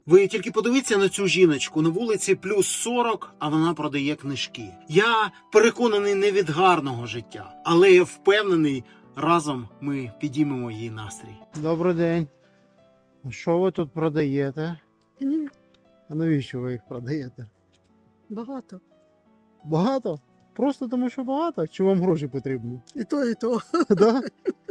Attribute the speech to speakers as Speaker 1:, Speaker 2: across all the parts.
Speaker 1: Ви тільки подивіться на цю жіночку. На вулиці плюс 40, а вона продає книжки. Я переконаний не від гарного життя, але я впевнений, разом ми підіймемо її настрій. Добрий день. Що ви тут продаєте?
Speaker 2: Ні,
Speaker 1: А навіщо ви їх продаєте?
Speaker 2: багато.
Speaker 1: Багато? Просто тому, що багато? Чи вам гроші потрібні?
Speaker 2: І то, і то.
Speaker 1: Да?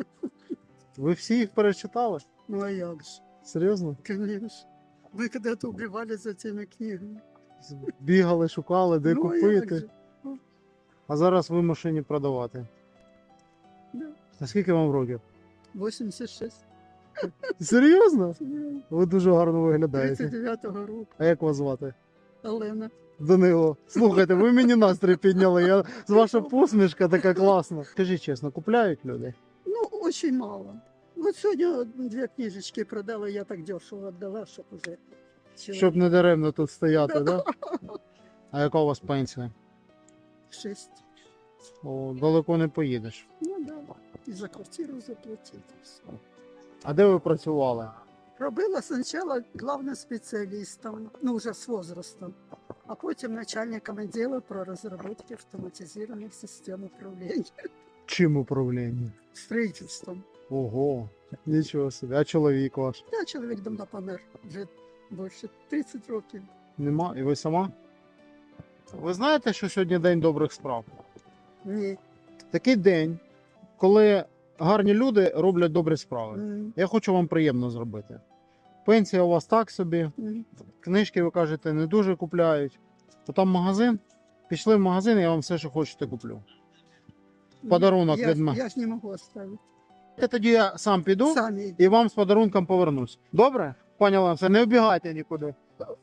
Speaker 1: Ви всі їх перечитали?
Speaker 2: Ну а як же?
Speaker 1: Серйозно?
Speaker 2: Конечно. Вы когда-то убивали за теми книгами.
Speaker 1: Бігали, шукали, де
Speaker 2: Ну, а як
Speaker 1: купити.
Speaker 2: же?
Speaker 1: А зараз вимушені продавати.
Speaker 2: Да.
Speaker 1: А скільки вам років?
Speaker 2: 86.
Speaker 1: Серйозно? Ви дуже гарно виглядаєте.
Speaker 2: 39-го року.
Speaker 1: А як вас звати?
Speaker 2: Олена.
Speaker 1: Данило. Слухайте, ви мені настрій підняли. Ваша посмішка така класна. Скажіть чесно, купляють люди?
Speaker 2: Ну, очень мало. Вот сегодня 2 книжечки продала, я так дешево отдала, чтобы уже...
Speaker 1: Щоб не даремно тут стояти, да? А яка у вас пенсія?
Speaker 2: 6.
Speaker 1: О, далеко не поїдеш.
Speaker 2: Ну да. І за квартиру заплатити. Все.
Speaker 1: А де ви працювали?
Speaker 2: Робила спочатку главним спеціалістом, ну вже з возрастом, а потім начальником відділу про розробки автоматизованих систем управління
Speaker 1: Чим управління?
Speaker 2: строїтельством.
Speaker 1: Ого, нічого собі. А чоловік ваш?
Speaker 2: Я чоловік давно помер, вже більше 30 років.
Speaker 1: Нема? І ви сама? Ви знаєте, що сьогодні день добрих справ?
Speaker 2: Ні.
Speaker 1: Такий день, коли гарні люди роблять добрі справи.
Speaker 2: М,
Speaker 1: Я хочу вам приємно зробити. Пенсія у вас так собі,
Speaker 2: м.
Speaker 1: книжки, ви кажете, не дуже купляють. То там магазин. Пішли в магазин, я вам все, що хочете, куплю. Подарунок
Speaker 2: я,
Speaker 1: від мене.
Speaker 2: Я ж не можу оставити.
Speaker 1: Тоді я сам піду
Speaker 2: Самі.
Speaker 1: і вам з подарунком повернусь. Добре? Пані Олена, все, не вбігайте нікуди.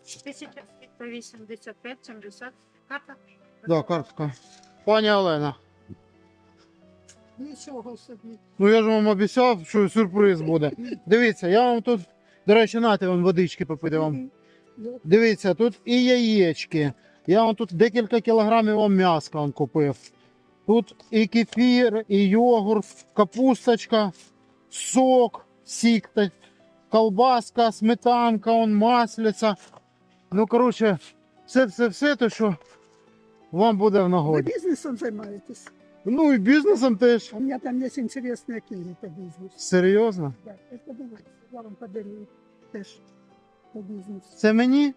Speaker 3: 1185, 70. Карта?
Speaker 1: Да, картка. Пані Олена,
Speaker 2: Нічого собі.
Speaker 1: ну я ж вам обіцяв, що сюрприз буде. Дивіться, я вам тут, до речі, нате вам водички попити вам.
Speaker 2: Мгм. Да.
Speaker 1: Дивіться, тут і яєчки. Я вам тут декілька кілограмів вам м'яска вам купив. Тут і кефір, і йогурт, капусточка, сок, сік, колбаска, сметанка, он, маслиця. Ну, коротше, все, то, що вам буде в
Speaker 2: Ви
Speaker 1: нагоді.
Speaker 2: бізнесом займаєтесь?
Speaker 1: Ну і бізнесом теж.
Speaker 2: У меня там есть интересные книги по бизнесу.
Speaker 1: Серйозно?
Speaker 2: Да, я подумаю, я вам подарю теж по бизнесу.
Speaker 1: Це мені?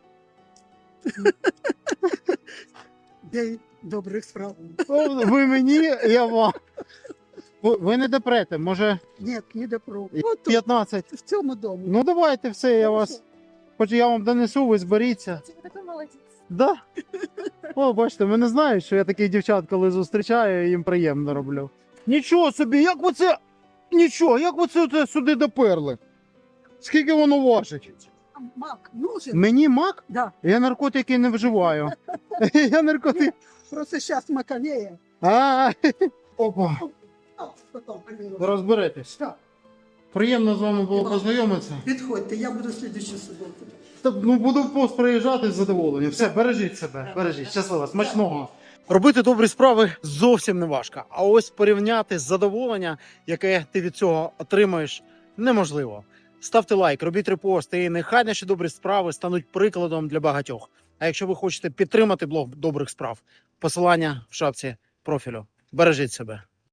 Speaker 2: День добрих справ.
Speaker 1: О, ви мені, я вам. Ви не депрете, може
Speaker 2: Нет, не допру. Вот тут,
Speaker 1: 15.
Speaker 2: в цьому дому.
Speaker 1: Ну давайте все, я вас. Хоч я вам донесу, ви зберіться.
Speaker 3: Ты такой молодец.
Speaker 1: Да? О, бачите, мене знають, що я таких дівчат, коли зустрічаю, їм приємно роблю. Нічого собі, як ви це. Нічого, як ви це сюди доперли? Скільки воно важить?
Speaker 2: Там мак нужен?
Speaker 1: Мені мак?
Speaker 2: Да,
Speaker 1: Я наркотики не вживаю. Я наркотики.
Speaker 2: просто сейчас маковея.
Speaker 1: А, опа.
Speaker 2: А, потом помилуй.
Speaker 1: Розберетесь.
Speaker 2: Так,
Speaker 1: Приємно з вами було познайомитися.
Speaker 2: підходьте, я буду слідуючу суботу.
Speaker 1: Та, ну, буду в пост приїжджати з задоволенням. Все, бережіть себе, бережіть. Щасливо, смачного. Робити добрі справи зовсім не важко. А ось порівняти задоволення, яке ти від цього отримаєш, неможливо. Ставте лайк, робіть репости, і нехай наші добрі справи стануть прикладом для багатьох. А якщо ви хочете підтримати блог добрих справ, посилання в шапці профілю. Бережіть себе.